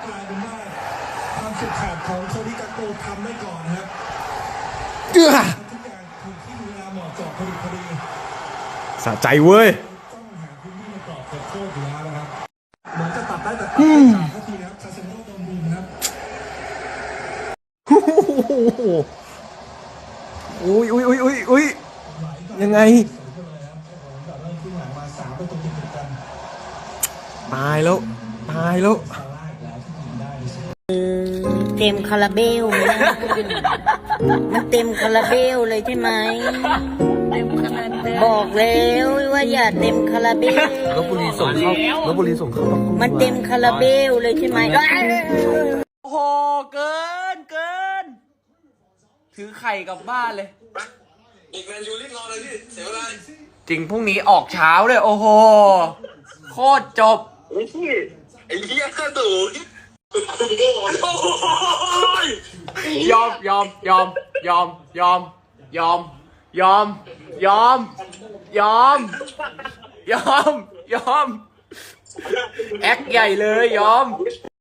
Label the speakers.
Speaker 1: กลายเป็นว่าความสุดขาดของโทนี่กาโกทำได้ก่อนนะครับทุกอย่างถูกที่เวลาเหมาะเจาะพอดี
Speaker 2: สะใจเว้ย
Speaker 1: ต้องหาพื้นที่ในกรอบเขตโทษอยู่แล้วนะครับเหมือนจะตัดได้แต่ตัดไม่ขาดทันทีนะครับซาเซโน่โดนบูมครับ
Speaker 2: อุ้ยยังไงตายแล้ว
Speaker 3: เต็มคาราเบลนะมันเต็มคาราเบลเลยใช่ไหมบอกแล้วว่าอย่าเต็มคาราเบล
Speaker 2: ลพบุรีส่งเข้า
Speaker 3: มันเต็มคาราเบลเลยใช่ไหม
Speaker 2: โอ้โหเกินถือไข่กลับบ้านเลย
Speaker 4: อีกแมนยูรีบนอนเลยพี่เสียเวลา
Speaker 2: จริงพรุ่งนี้ออกเช้าเลยโอ้โหโคตรจบ
Speaker 4: ไอ้เหี้ยข้าตู่
Speaker 2: ยอมแอคใหญ่เลยยอม